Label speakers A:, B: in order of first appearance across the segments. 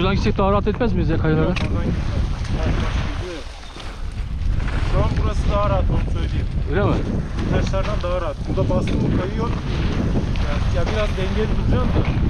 A: Buradan gitsek daha rahat etmez miyiz ya kayalara?
B: Oradan gitmez. Şu an burası daha rahat, onu söyleyeyim.
A: Öyle mi?
B: Taşlardan daha rahat. Burada bastım mı kayıyor. Yani ya biraz dengeli duracaksın da.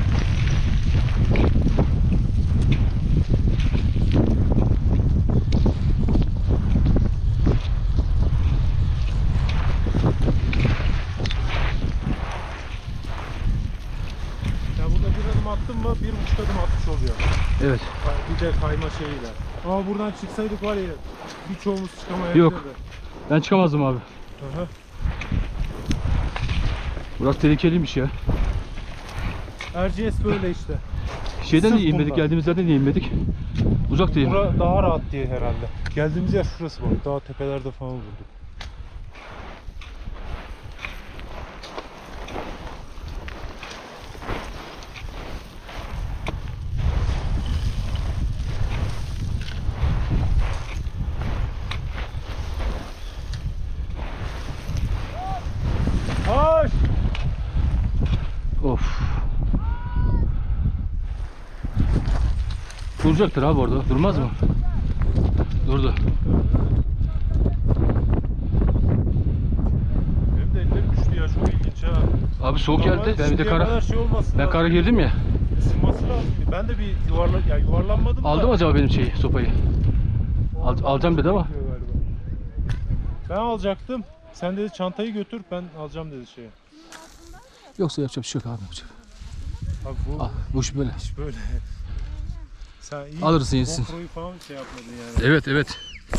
B: Ya burada bir adım attım mı 1,5 adım atmış oluyor.
A: Evet.
B: Bir de kayma şeyiyle. Ama buradan çıksaydık var ya birçoğumuz çıkamayabilirdi.
A: Yok. Ben çıkamazdım abi.
B: Aha.
A: Burası tehlikeliymiş ya.
B: Erciyes böyle işte.
A: Şeyden
B: Sırf
A: de inmedik,
B: bundan.
A: geldiğimiz yerden de inmedik. Uzak değil.
B: Bura daha rahat diye herhalde. Geldiğimiz yer şurası bak. Daha tepelerde falan bulduk. Hoş!
A: Of. Duracaktır abi orada. Durmaz mı? Durdu.
B: Benim de ellerim düştü ya. Çok ilginç ha.
A: Abi soğuk geldi. Ben bir de
B: Şimdiye
A: kara.
B: kadar şey olmasın
A: Ben
B: lazım.
A: kara girdim ya.
B: Isınması lazım. Ben de bir yuvarlanmadım da.
A: Aldı mı acaba benim şeyi, sopayı? Alacağım dedi ama.
B: Ben alacaktım. Sen dedi çantayı götür, ben alacağım dedi şeye.
A: Yoksa yapacak bir şey yok abi. Yapacak.
B: Abi bu
A: Bu iş böyle.
B: iş böyle. Sen iyi
A: Alırsın, yesin.
B: GoPro'yu falan şey yapmadın yani.
A: Evet evet.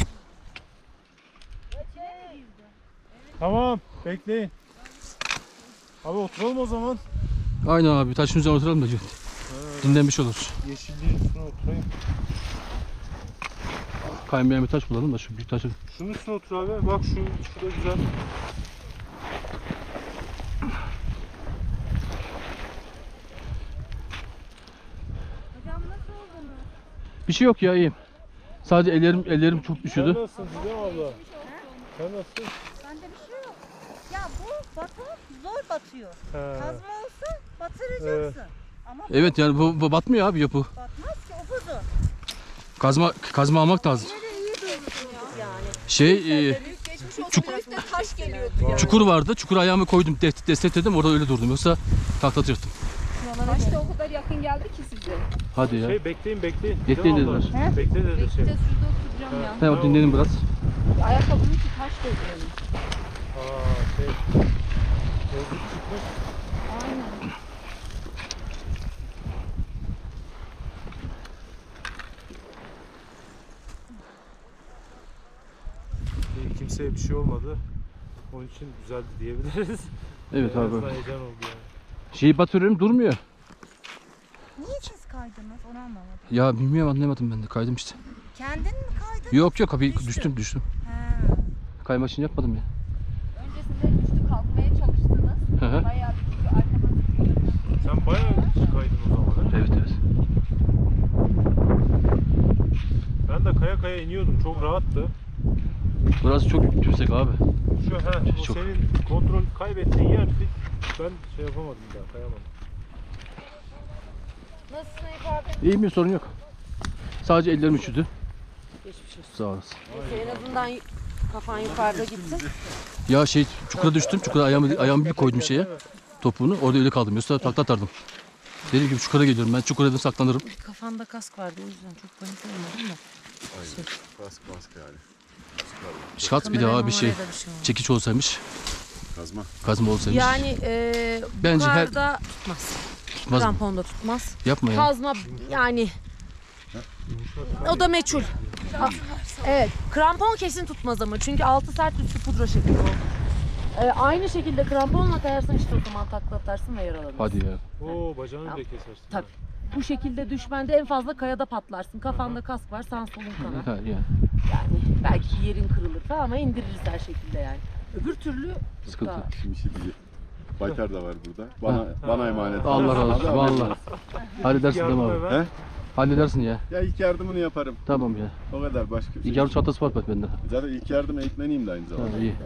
B: Tamam, bekleyin. Abi oturalım o zaman.
A: Aynen abi. Taşın üzerine oturalım da dinlenmiş oluruz.
B: Yeşilliğin üstüne oturayım.
A: Kaymayan bir taş bulalım da şu büyük taşı.
B: Şunun üstüne otur abi. Bak şurada güzel.
C: Hocam nasıl oldunuz?
A: Bir şey yok ya, iyiyim. Sadece ellerim çok
B: Sen
A: üşüdü.
B: nasılsın Didem abla? Sen nasılsın?
C: Bende bir şey yok. Ya bu baton zor batıyor.
B: He.
C: Kazma olsa batıracaksın. Ama
A: Evet yani bu batmıyor abi yapı.
C: batmaz ki o buzu.
A: Kazma almak lazım.
C: Yine iyi durursun yani.
A: Şey
C: Üstte taş geliyordu ya.
A: çukur vardı. Çukura ayağımı koydum, destekledim, orada öyle durdum. Yoksa taklatacaktım.
D: Taş da o kadar yakın geldi ki size.
A: Hadi ya.
B: Bekleyin.
A: Bekleyin
B: Didem abla.
A: dediler.
B: Bekle dedi şey.
D: Bekle şurada oturacağım ya.
A: Tamam dinledim biraz.
D: Ayakkabının içi taş doluyor.
B: Aa şey. Gözlük çıkmış.
D: Aynen.
B: Kimseye bir şey olmadı. Onun için güzeldi diyebiliriz.
A: Evet
B: En
A: abi.
B: azından heyecan oldu yani.
A: Şeyi batırıyorum, durmuyor.
C: Niye siz kaydınız onu anlamadım.
A: Ya bilmiyorum, anlamadım ben de, kaydım işte.
C: Kendin mi kaydın?
A: Yok abi
C: Düştün.
A: düştüm.
C: He.
A: Kaymak için yapmadım ya.
D: Öncesinde düştü kalkmaya çalıştınız.
A: Hı hı.
D: Bayağı bir çünkü arkadan
B: Sen bayağı kaydın o zaman.
A: Evet evet.
B: Ben de kaya iniyordum. Çok rahattı.
A: Burası çok yüksek abi.
B: Şu o
A: Çok.
B: senin kontrol kaybettiğin yer ben şey yapamadım daha, kayamadım.
D: Nasılsın Eyüp abi?
A: İyiyim, bir sorun yok. Sadece ellerim üşüdü.
D: Geçmiş olsun.
A: Sağ olasın.
D: Neyse en azından kafan yukarıda gitsin.
A: Ya çukura düştüm. Çukura ayağımı bir koydum şeye. Topuğunu. Orada öyle kaldım. Yoksa takla atardım. Dediğim gibi çukura geliyorum. Ben çukura saklanırım.
D: Kafanda kask vardı o yüzden çok panik olmadım da.
E: Kask yani.
A: Şats bir daha bir şey. Çekiç olsaymış. Kazma olsaymış.
D: Yani
A: Bence
D: yukarıda tutmaz.
A: tutmaz mı?
D: Kramponda tutmaz.
A: Yapma ya.
D: Kazma yani o da meçhul. Evet, krampon kesin tutmaz ama çünkü altı sert üstü pudra şekli o. Aynı şekilde kramponla kayarsan işte o zaman takla atarsın ve yaralanırsın.
A: Hadi ya.
B: Oo bacağını bile kesersin.
D: Tabii. Bu şekilde düşmende en fazla kayada patlarsın. Kafanda kask var, sağ solun kanar.
A: Ha, ya.
D: Yani belki bir yerin kırılır falan ama indiririz her şekilde yani. Öbür türlü
A: Sıkıntı.
D: daha-
E: Şimdi şey diyeceğim. Baytar da var burada. Bana emanet.
A: Allah razı olsun. Vallahi. Halledersin değil mi
B: Yardım
A: abi?
B: eve.
E: He?
A: Halledersin ya.
E: Ya ilk yardımını yaparım.
A: Tamam ya.
E: O kadar başka bir şey.
A: İlk yardım çantası var bende.
E: Zaten ilk yardım eğitmeniyim de aynı zamanda.
A: Ha, iyi.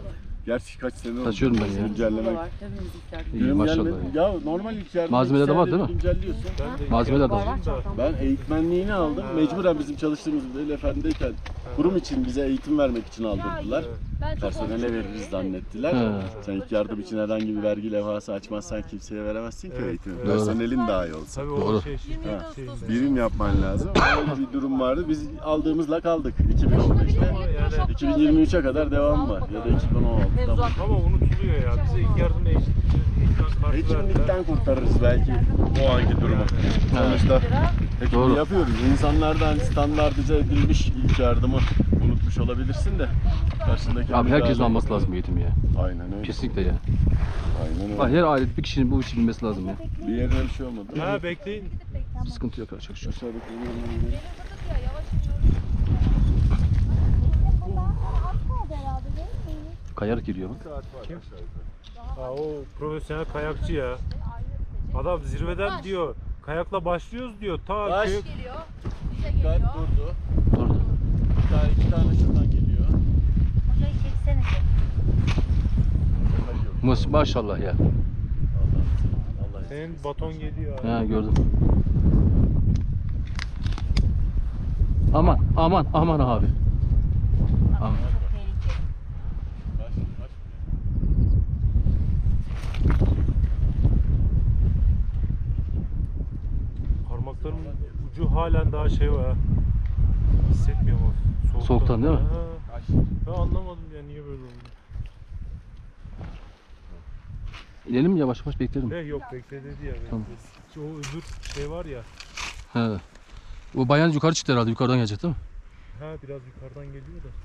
E: Gerçi kaç sene oldu.
A: Taşıyorum ben ya.
E: Güncellemek.
A: İyi
E: Günüm
A: maşallah.
E: gelmedi. Ya normal ilk yardım.
A: Malzemeler de var değil mi?
E: Güncelliyorsun.
B: Ben de
A: Malzemeler de var.
E: Ben eğitmenliğini aldım. Mecburen bizim çalıştığımız Veli Efendi'deyken kurum için bize eğitim vermek için aldırdılar. Personele veririz zannettiler.
A: He.
E: Sen ilk yardım için herhangi bir vergi levhası açmazsan kimseye veremezsin ki
B: Evet.
E: eğitimi.
B: Evet.
E: Personelin daha iyi olsa.
B: Tabii
A: Doğru.
B: o şey şimdi.
E: Ha.
B: Şeyinde.
E: Birim yapman lazım. Öyle bir durum vardı. Biz aldığımızla kaldık 2015'te.
B: Yani
E: 2023'e kadar devam var. Ya da 2016'da.
B: ama unutuluyor ya. Bize ilk yardım eğitim kartı verdiler.
E: Eğitimlikten kurtarırız belki o anki durumu. Sonuçta hekimliği
A: Doğru.
E: yapıyoruz. İnsanlardan standartize edilmiş ilk yardımı unutmuş olabilirsin de. Karşındaki
A: Abi herkesin
E: müdahale-
A: alması lazım bu eğitimi ya.
E: Aynen öyle.
A: Kesinlikle ya.
E: Aynen
A: Bak
E: öyle.
A: her aile bir kişinin bu işi bilmesi lazım ya.
E: Bir yerine bir şey olmadı.
B: Ha bekleyin.
A: Sıkıntı yok çok şükür.
E: Aşağıdaki
C: Bizim bundan sonra az kaldı herhalde değil mi?
A: Kayarak giriyor bak.
B: Kim? Ha, o profesyonel kayakçı ya. Adam zirveden diyor. Kayakla başlıyoruz diyor. Ta
E: Baş.
B: köy-
C: Geliyor. Bize
E: Dikkat
C: geliyor.
E: durdu.
A: Dur.
E: İki tane şuradan geliyor.
C: Hocayı çeksenize.
A: Maşallah ya.
E: Allah
B: Senin baton geliyor abi.
A: Ha gördüm. Aman aman aman abi. Aman.
C: Çok tehlikeli.
B: Parmaklarımın ucu halen daha şey var. Ha. Hissetmiyorum o
A: Soğuktan değil mi?
B: Ha. Ben anlamadım ya niye böyle oldu.
A: İnelim mi yavaş yavaş beklerim.
B: Yok bekle dedi ya.
A: Tamam.
B: O öbür şey var ya.
A: He. O bayan yukarı çıktı herhalde. Yukarıdan gelecek değil mi?
B: Ha biraz yukarıdan geliyor da.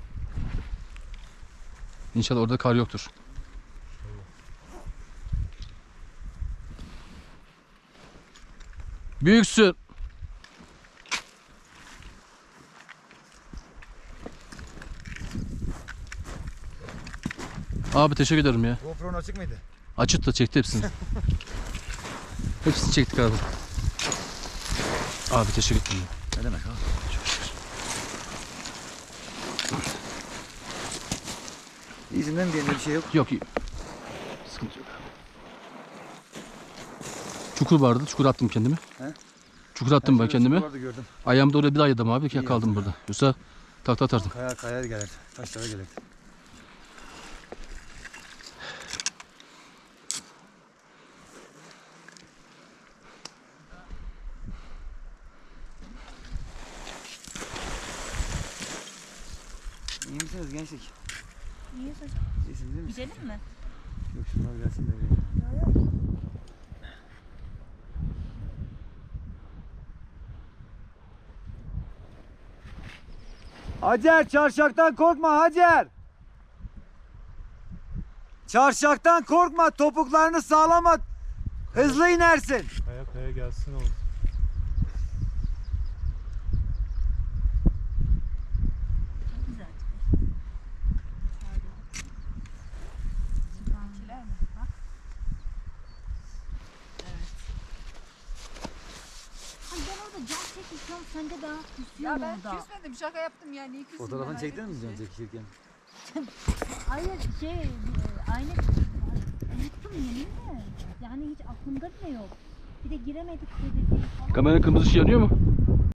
A: İnşallah orada kar yoktur. Büyüksün. Abi teşekkür ederim ya.
F: GoPro'nun açık mıydı?
A: Açık da çekti hepsini. Hepsini çektik abi. Abi teşekkür ederim.
F: Ne demek abi? İyisin değil mi? Diğerinde bir şey yok.
A: Yok iyi. Sıkıntı yok. Çukur vardı. Çukur attım kendimi.
F: He?
A: Çukur attım ben
F: Şöyle
A: kendimi.
F: Vardı gördüm.
A: Ayağımda oraya bir daha yedim abi.
F: İyi
A: Kaldım burada. Yoksa takla atardım.
F: Kaya gelir. Taşlara gelir. İyi misiniz gençlik?
C: İyi hocam.
F: İyisiniz değil mi?
C: Gidelim mi?
F: Yok şunlar gelsin de. Hacer çarşaktan korkma Hacer. Çarşaktan korkma, topuklarını sağlam at. Hızlı inersin.
B: Kaya kaya gelsin oğlum.
C: Çok güzel. Bahçeler mi? Bak. Evet. Hani ben orada cam çekmişim, sen de daha küsüyorsun
G: Ya ben
C: orada.
G: küsmedim, şaka yaptım yani. Niye küseyim
F: Fotoğrafını
G: ben?
F: çektin mi
G: Hayret bir
F: canım
G: şey.
F: çekişirken?
C: Hayır aynı unuttum yeminle. Yani hiç aklımda bile yok. Bir de giremedik dedi.
A: Kameranın kırmızı ışığı yanıyor mu?